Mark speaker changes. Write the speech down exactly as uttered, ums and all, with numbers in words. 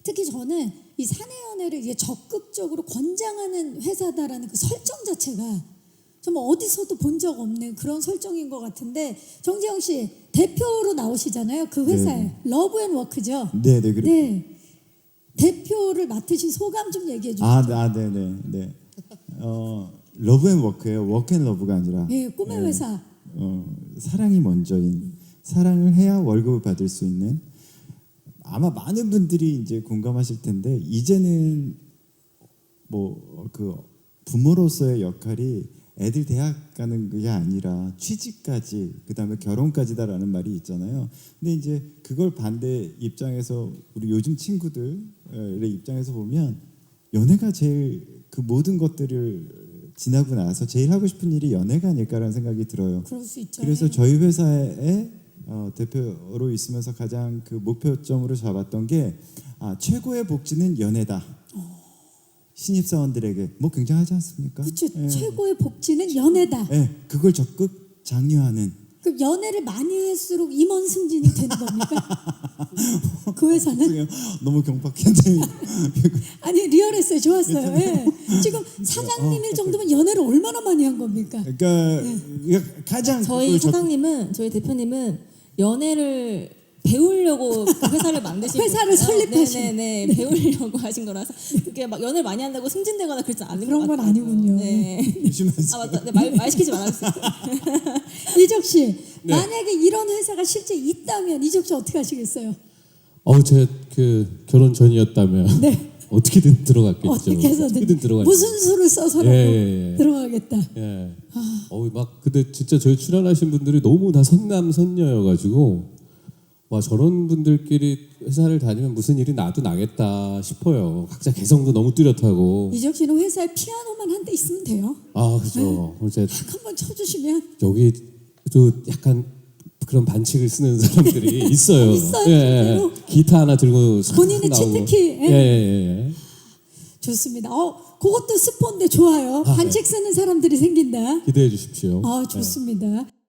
Speaker 1: 특히 저는 이 사내연애를 이게 적극적으로 권장하는 회사다라는 그 설정 자체가 정말 어디서도 본 적 없는 그런 설정인 것 같은데, 정재영 씨 대표로 나오시잖아요. 그 회사에
Speaker 2: 네.
Speaker 1: 러브앤워크죠.
Speaker 2: 네, 네, 그래.
Speaker 1: 네. 대표를 맡으신 소감 좀 얘기해 주시죠.
Speaker 2: 아, 아, 네, 네, 네. 어, 러브앤워크예요. 워크앤러브가 아니라.
Speaker 1: 예, 꿈의
Speaker 2: 네.
Speaker 1: 회사.
Speaker 2: 어, 사랑이 먼저인, 사랑을 해야 월급을 받을 수 있는. 아마 많은 분들이 이제 공감하실 텐데, 이제는 뭐 그 부모로서의 역할이 애들 대학 가는 게 아니라 취직까지, 그다음에 결혼까지다라는 말이 있잖아요. 근데 이제 그걸 반대 입장에서 우리 요즘 친구들의 입장에서 보면 연애가 제일 그 모든 것들을 지나고 나서 제일 하고 싶은 일이 연애가 아닐까라는 생각이 들어요.
Speaker 1: 그럴 수 있죠.
Speaker 2: 그래서 저희 회사의 어, 대표로 있으면서 가장 그 목표점으로 잡았던 게 아, 최고의 복지는 연애다. 신입사원들에게 뭐 굉장하지 않습니까?
Speaker 1: 그렇죠.
Speaker 2: 예.
Speaker 1: 최고의 복지는 연애다.
Speaker 2: 예, 그걸 적극 장려하는.
Speaker 1: 그 연애를 많이 할수록 임원 승진이 되는 겁니까? 그 회사는?
Speaker 2: 너무 경박했는데.
Speaker 1: 아니 리얼했어요. 좋았어요. 예. 지금 사장님일 정도면 연애를 얼마나 많이 한 겁니까?
Speaker 2: 그러니까 이게 가장
Speaker 3: 저희
Speaker 2: 그걸 적-
Speaker 3: 사장님은 저희 대표님은 연애를 배우려고 그 회사를 만드신
Speaker 1: 회사를
Speaker 3: 거예요.
Speaker 1: 설립하신.
Speaker 3: 네네네 배우려고 하신 거라서 그게 막 연애를 많이 한다고 승진되거나 그렇지 않은
Speaker 1: 그런
Speaker 3: 것
Speaker 1: 건
Speaker 3: 같아요.
Speaker 1: 아니군요.
Speaker 3: 네.
Speaker 2: 조심하세요.
Speaker 3: 아 맞다. 네, 말, 말 시키지 말아주세요.
Speaker 1: 이적 씨,
Speaker 4: 네.
Speaker 1: 만약에 이런 회사가 실제 있다면 이적 씨 어떻게 하시겠어요?
Speaker 4: 어, 제 그 결혼 전이었다면
Speaker 1: 네.
Speaker 4: 어떻게든 들어갔겠죠.
Speaker 1: 어떻게 해서든
Speaker 4: 어떻게든 들어갔.
Speaker 1: 무슨 수를 써서라도
Speaker 4: 예, 예, 예.
Speaker 1: 들어가겠다.
Speaker 4: 예. 어, 막 근데 진짜 저희 출연하신 분들이 너무 다 선남 선녀여가지고 와 저런 분들끼리 회사를 다니면 무슨 일이 나도 나겠다 싶어요. 각자 개성도 너무 뚜렷하고.
Speaker 1: 이적 씨는 회사에 피아노만 한 대 있으면 돼요.
Speaker 4: 아 그죠. 이제
Speaker 1: 딱 한번 쳐주시면
Speaker 4: 여기도 약간 그런 반칙을 쓰는 사람들이 있어요.
Speaker 1: 있어요,
Speaker 4: 예, 예.
Speaker 1: 실제로?
Speaker 4: 기타 하나 들고 싹
Speaker 1: 본인의
Speaker 4: 나오고.
Speaker 1: 치트키, 예.
Speaker 4: 예, 예, 예.
Speaker 1: 좋습니다. 어, 그것도 스폰데 좋아요.
Speaker 4: 아,
Speaker 1: 반책 쓰는 사람들이 생긴다.
Speaker 4: 기대해 주십시오.
Speaker 1: 아, 좋습니다.